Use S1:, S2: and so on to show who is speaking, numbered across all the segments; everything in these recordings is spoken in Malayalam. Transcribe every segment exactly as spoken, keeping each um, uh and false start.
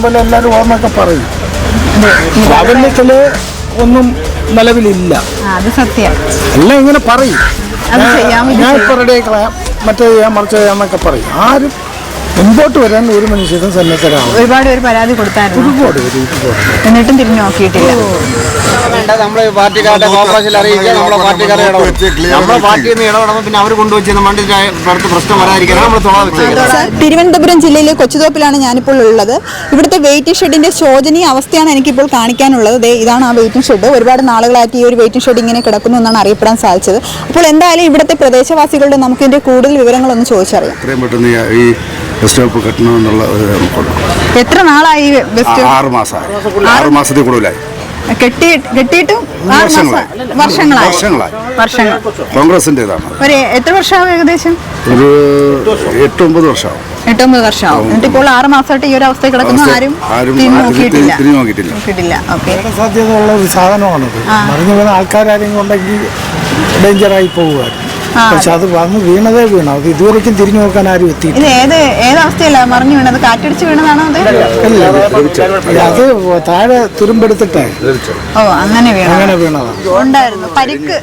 S1: കാണുമ്പോൾ എല്ലാവരും ഓർമ്മയൊക്കെ പറയും. പ്രാബല്യത്തില് ഒന്നും നിലവിലില്ല.
S2: അത് സത്യം.
S1: എല്ലാം ഇങ്ങനെ പറയും, ഞാൻ ഇപ്പൊ റെഡി ആക്കളയാം, മറ്റേ ചെയ്യാം, മറിച്ച് ചെയ്യാന്നൊക്കെ പറയും. ആരും മുമ്പോട്ട് വരാൻ ഒരു മനുഷ്യരും സന്നദ്ധരാണ്.
S2: ഒരുപാട് പേര് പരാതി കൊടുത്തായിരുന്നു,
S1: ഒരുപാട് പേര്
S2: എന്നിട്ടും തിരിഞ്ഞു നോക്കിയിട്ടില്ല.
S3: നമ്മള് പാർട്ടിക്കാരുടെ കോർപ്പറേഷനിൽ അറിയിക്കുക, നമ്മളെ പാർട്ടിക്കാരെ നമ്മളെ പാർട്ടിയിൽ നിന്ന് ഇടപെടുമ്പോൾ പിന്നെ അവർ കൊണ്ടുവച്ച് വണ്ടി അടുത്ത പ്രശ്നം വരാതിരിക്കാൻ നമ്മൾ തുറന്നു.
S4: തിരുവനന്തപുരം ജില്ലയിലെ കൊച്ചുതോപ്പിലാണ് ഞാനിപ്പോൾ ഉള്ളത്. ഇവിടുത്തെ വെയിറ്റിംഗ് ഷെഡിന്റെ ശോചനീയ അവസ്ഥയാണ് എനിക്കിപ്പോൾ കാണിക്കാനുള്ളത്. ദേ ഇതാണ് ആ വെയിറ്റിംഗ് ഷെഡ്. ഒരുപാട് നാളുകളായിട്ട് ഈ ഒരു വെയിറ്റിംഗ് ഷെഡ് ഇങ്ങനെ കിടക്കുന്നു എന്നാണ് അറിയപ്പെടാൻ സാധിച്ചത്. അപ്പോൾ എന്തായാലും ഇവിടുത്തെ പ്രദേശവാസികളുടെ നമുക്ക് ഇതിന്റെ കൂടുതൽ വിവരങ്ങളൊന്ന് ചോദിച്ചറിയാം.
S5: ബസ് സ്റ്റോപ്പ് കെട്ടണമെന്നുള്ള ഒരു നമുക്കുണ്ട്.
S4: എത്ര നാളായി?
S5: ആറ് മാസമായി. ആറ് മാസത്തിൽ കൂടുതലായി
S4: കെട്ടിയിട്ടും വർഷങ്ങളായി. വർഷങ്ങൾ
S5: കോൺഗ്രസിൻ്റെതാണ്.
S4: ഒരു എത്ര വർഷമാവും? ഏകദേശം
S5: ഒരു എട്ടൊമ്പത് വർഷമാവും.
S4: എട്ടൊമ്പത് വർഷമാവും. എന്നിട്ട് ഇപ്പോൾ ആറ് മാസമായിട്ട് ഈ ഒരു അവസ്ഥ കിടക്കുന്നു. ആരും
S5: നോക്കിയിട്ടില്ല
S4: നോക്കിയിട്ടില്ല. ഓക്കെ,
S1: സാധ്യതയുള്ള ഒരു സാധനമാണത്. മറിഞ്ഞു വീണ ആൾക്കാരെങ്കിലും ഉണ്ടെങ്കിൽ ഡേഞ്ചറായി പോകുമായിരുന്നു. പക്ഷെ അത് വന്ന് വീണതേ വീണ, അത് ഇതുവരെയ്ക്കും തിരിഞ്ഞു നോക്കാൻ ആരും എത്തി.
S4: ഇത് ഏത് ഏതവസ്ഥയല്ല മറിഞ്ഞു വീണത്? കാറ്റടിച്ച് വീണതാണോ? അത് അത് താഴെ തുരുമ്പെടുത്തിട്ടേ.
S2: ഓ, അങ്ങനെ വീണ
S4: അങ്ങനെ വീണതാണ്. ഉണ്ടായിരുന്നു പരിക്ക്.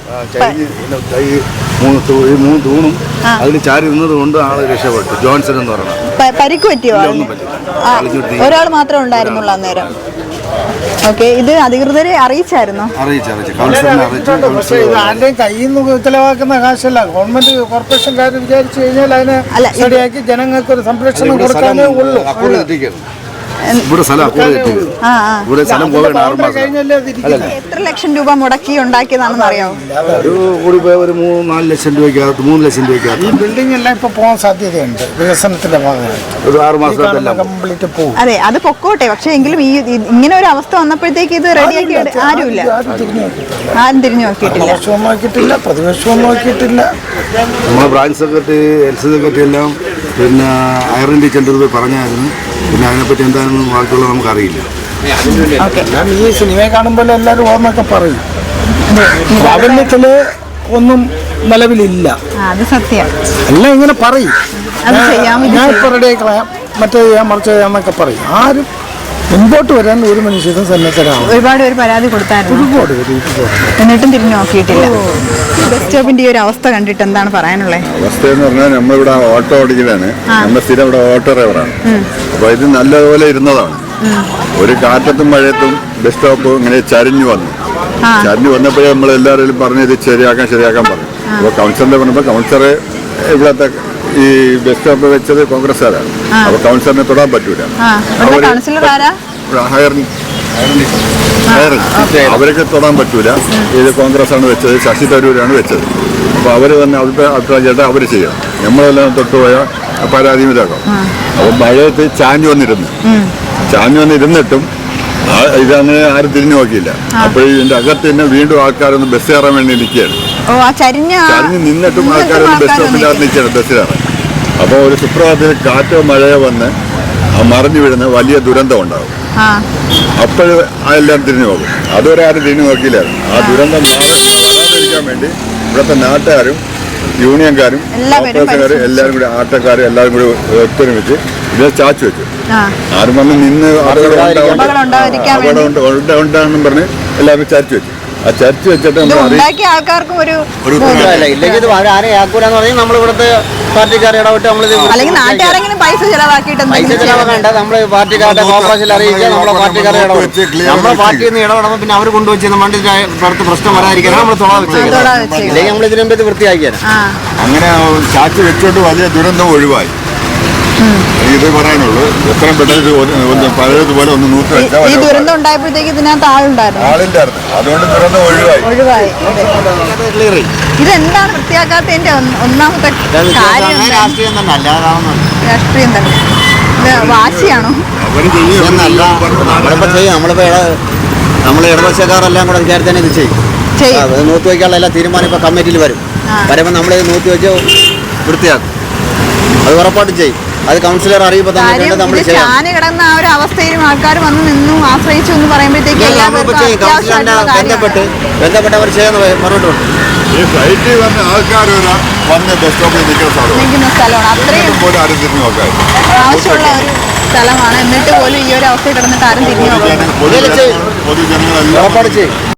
S5: മൂന്ന് തൂണും അതിൽ ചാരി നിന്നത് കൊണ്ട് ആള് രക്ഷപ്പെട്ടു. ജോൺസൺ എന്ന് പറയുന്നത്.
S4: പരിക്ക് പറ്റിയോ? ഒരാൾ മാത്രമേ ഉണ്ടായിരുന്നുള്ളൂ അന്നേരം. ഓക്കെ, ഇത് അധികൃതരെ അറിയിച്ചായിരുന്നോ?
S1: ആരുടെയും കയ്യിൽ നിന്ന് ചെലവാക്കുന്ന കാശല്ല. ഗവൺമെന്റ് കോർപ്പറേഷൻകാർ വിചാരിച്ചു കഴിഞ്ഞാൽ അതിനെ ശരിയാക്കി ജനങ്ങൾക്ക് ഒരു സംരക്ഷണം കൊടുക്കാനേ ഉള്ളൂ.
S4: എത്ര ലക്ഷം രൂപ മുടക്കി ഉണ്ടാക്കിയതാണെന്ന് അറിയാമോ?
S5: ഒരു മൂന്ന് നാല് ലക്ഷം രൂപയ്ക്കകത്ത് മൂന്ന് ലക്ഷം രൂപയ്ക്കകത്ത്
S1: ഈ ബിൽഡിംഗ് എല്ലാം ഇപ്പൊ പോകാൻ സാധ്യതയുണ്ട്. വികസനത്തിന്റെ ഭാഗമായിട്ട്
S5: ഒരു ആറ് മാസത്തെല്ലാം
S1: കംപ്ലീറ്റ് പോകും.
S4: അതെ, അത് പൊക്കോട്ടെ. പക്ഷെ എങ്കിലും ഈ ഇങ്ങനെ ഒരു അവസ്ഥ വന്നപ്പോഴത്തേക്ക് ഇത് റെഡിയാക്കി ആരുമില്ല, ആരും തിരിഞ്ഞു നോക്കിയിട്ടില്ല.
S1: പ്രതിപക്ഷവും നോക്കിയിട്ടില്ല, പ്രതിപക്ഷവും നോക്കിയിട്ടില്ല.
S5: നമ്മളെ branch secretary, L C secretary എല്ലാം പിന്നെ ഐറൻ ടീച്ചറിൻ്റെ പോയി പറഞ്ഞായിരുന്നു. പിന്നെ അതിനെപ്പറ്റി എന്താണെന്ന് ബാക്കിയുള്ള നമുക്കറിയില്ല.
S1: ഞാൻ ഈ സിനിമയെ കാണുമ്പോൾ എല്ലാവരും ഓർമ്മയൊക്കെ പറയും. പ്രാബല്യത്തില് ഒന്നും നിലവിലില്ല.
S2: അത് സത്യം.
S1: എല്ലാം ഇങ്ങനെ പറയും, ഞാൻ ഇപ്പൊ റെഡി ആക്കളയാം, മറ്റേ ചെയ്യാം, മറിച്ച് ചെയ്യാന്നൊക്കെ പറയും. ആരും മുമ്പോട്ട് വരാൻ ഒരു മനുഷ്യരും സന്നദ്ധരാണ്.
S2: ഒരുപാട് പേര് പരാതി കൊടുത്തായിരുന്നു,
S1: ഒരുപാട് പേര്
S2: എന്നിട്ടും തിരിഞ്ഞു നോക്കിയിട്ടില്ല.
S4: ബസ് സ്റ്റോപ്പിന്റെ ഈ ഒരു അവസ്ഥ കണ്ടിട്ട് എന്താണ് പറയാനുള്ളത്?
S6: അവസ്ഥ എന്ന് പറഞ്ഞാൽ നമ്മളിവിടെ ഓട്ടോ ഓടിക്കുന്നതാണ്, നമ്മുടെ സ്ഥിരം ഇവിടെ ഓട്ടോ ഡ്രൈവറാണ്. അപ്പൊ ഇത് നല്ലതുപോലെ ഇരുന്നതാണ്. ഒരു കാറ്റത്തും മഴയത്തും ബസ് സ്റ്റോപ്പ് ഇങ്ങനെ ചരിഞ്ഞു വന്നു. ചരിഞ്ഞു വന്നപ്പോഴേ നമ്മൾ എല്ലാവരും പറഞ്ഞു ഇത് ശരിയാക്കാൻ ശരിയാക്കാൻ പറഞ്ഞു. അപ്പോൾ കൗൺസിലറിനെ പറഞ്ഞപ്പോൾ കൗൺസിലർ ഇവിടത്തെ ഈ ബസ് സ്റ്റോപ്പ് വെച്ചത് കോൺഗ്രസ്സുകാരാണ്. അപ്പൊ കൗൺസിലറിനെ തൊടാൻ പറ്റൂല. അവരൊക്കെ തൊടാൻ പറ്റൂല. ഇത് കോൺഗ്രസ് ആണ് വെച്ചത്, ശശി തരൂരാണ് വെച്ചത്. അപ്പൊ അവര് തന്നെ അവരുടെ അഭിപ്രായം ചേട്ടാ അവര് ചെയ്യണം, നമ്മളെല്ലാം തൊട്ടുപോയാൽ പരാതി ഇതാക്കാം. അപ്പൊ മഴയത്ത് ചാഞ്ഞു വന്നിരുന്നു. ചാഞ്ഞു വന്നിരുന്നിട്ടും ഇതങ്ങനെ ആരും തിരിഞ്ഞു നോക്കിയില്ല. അപ്പോൾ ഇതിന്റെ അകത്ത് തന്നെ വീണ്ടും ആൾക്കാരൊന്ന് ബസ് കയറാൻ വേണ്ടി നിൽക്കുകയാണ്. ചരിഞ്ഞ് നിന്നിട്ടും ആൾക്കാരൊന്ന് ബസ് സ്റ്റോപ്പിനകത്ത് നിൽക്കുകയാണ് ബസ് കയറാൻ. അപ്പോൾ ഒരു സുപ്രഭാതത്തിൽ കാറ്റോ മഴയോ വന്ന് ആ മറിഞ്ഞു വീഴുന്ന വലിയ ദുരന്തം ഉണ്ടാകും. അപ്പോഴും അതെല്ലാം തിരിഞ്ഞു നോക്കും. അതുവരെ ആരും തിരിഞ്ഞു നോക്കിയില്ലായിരുന്നു. ആ ദുരന്തം വരാതിരിക്കാൻ വേണ്ടി ഇവിടുത്തെ നാട്ടുകാരും യൂണിയൻകാരും ഓപ്പറേഷൻകാരും എല്ലാവരും കൂടി ആട്ടക്കാരും എല്ലാവരും കൂടി ഒത്തൊരുമിച്ച് ഇത് ചാച്ചു വെച്ചു. ആരും വന്ന് നിന്ന് അപകടം ഉണ്ടാകും പറഞ്ഞ് എല്ലാവരും ചാച്ചു വെച്ചു. ആ ചർച്ച വെച്ചിട്ട്
S4: ആൾക്കാർക്കും ഒരു
S3: ഇല്ലെങ്കിൽ ആരെയും ആക്കൂലെന്ന് പറഞ്ഞാൽ നമ്മൾ ഇവിടുത്തെ പാർട്ടിക്കാരെ ഇടപെട്ട് നമ്മൾ
S4: പൈസ ചെലവാക്കിയിട്ട്
S3: പൈസ ചെലവാക്കണ്ട. നമ്മൾ പാർട്ടിക്കാരുടെ കോർപ്പറേഷനിൽ അറിയിക്കുക, നമ്മളെ പാർട്ടിക്കാരെ ഇടപെട്ട് നമ്മളെ പാർട്ടിയിൽ നിന്ന് ഇടപെടുമ്പോൾ പിന്നെ അവർ കൊണ്ടുവച്ച് വണ്ടി അടുത്ത പ്രശ്നം വരാതിരിക്കാൻ നമ്മൾ തുറ വെച്ചേക്കാം. ഇല്ലെങ്കിൽ നമ്മൾ ഇതിനു മുമ്പ് വൃത്തിയാക്കിയാണ്.
S6: അങ്ങനെ ചാച്ചു വെച്ചോണ്ട് വലിയ ദുരന്തം ഒഴിവായി. ഇത് പറയാനുള്ളൂ. എത്രയും പെട്ടെന്ന് പഴയതുപോലെ ഒന്ന് നൂറ്റി വെച്ചാൽ
S4: ഈ ദുരന്തം ഉണ്ടായപ്പോഴത്തേക്ക് ഇതിനകത്ത് ആളുണ്ടായിരുന്നു,
S6: ആളില്ലായിരുന്നു. അതുകൊണ്ട് ദുരന്തം ഒഴിവായി
S4: ഒഴിവായി ഇതെന്താണ് വൃത്തിയാക്കാത്തതിന്റെ ഒന്നാമത്തെ കാര്യം?
S3: രാഷ്ട്രീയം തന്നെ അല്ലാതാവുന്നു.
S4: രാഷ്ട്രീയം തന്നെ. വാശിയാണോ?
S3: നമ്മളിപ്പോ ചെയ്യും. നമ്മളിപ്പോ നമ്മൾ ഇടതുപക്ഷക്കാരെല്ലാം കൂടെ വിചാരിച്ച് തന്നെ ഇത് ചെയ്യും. നൂറ്റി വയ്ക്കാനുള്ള എല്ലാ തീരുമാനം ഇപ്പൊ കമ്മിറ്റിയിൽ വരും. വരുമ്പോൾ നമ്മൾ നൂറ്റി വെച്ച് വൃത്തിയാക്കും. അത് ഉറപ്പായിട്ടും ചെയ്യും. അത് കൗൺസിലർ അറിയുമ്പോൾ തന്നെ നമ്മൾ
S4: ചെയ്യാൻ കിടന്ന ആ ഒരു അവസ്ഥയിലും ആൾക്കാർ വന്ന് നിന്നു ആശ്രയിച്ചു എന്ന് പറയുമ്പോഴത്തേക്ക്
S3: ബന്ധപ്പെട്ട് ബന്ധപ്പെട്ട് അവർ ചെയ്യാൻ പറഞ്ഞിട്ടുണ്ട്.
S6: ഈ ഫ്ലൈറ്റിൽ വന്ന ആൾക്കാർ വന്ന് ബസ് സ്റ്റോപ്പിൽ നിൽക്കുന്ന
S4: സ്ഥലമാണ്. അത്രയും
S6: പോലും ആരും തിരിഞ്ഞു നോക്കാൻ
S4: ആവശ്യമുള്ള ഒരു സ്ഥലമാണ്. എന്നിട്ട് പോലും ഈ ഒരു അവസ്ഥയിൽ കിടന്നിട്ട് ആരും തിരിഞ്ഞു നോക്കുന്നു.
S6: പൊതുജനങ്ങളെല്ലാം
S3: ഉറപ്പാട് ചെയ്യും.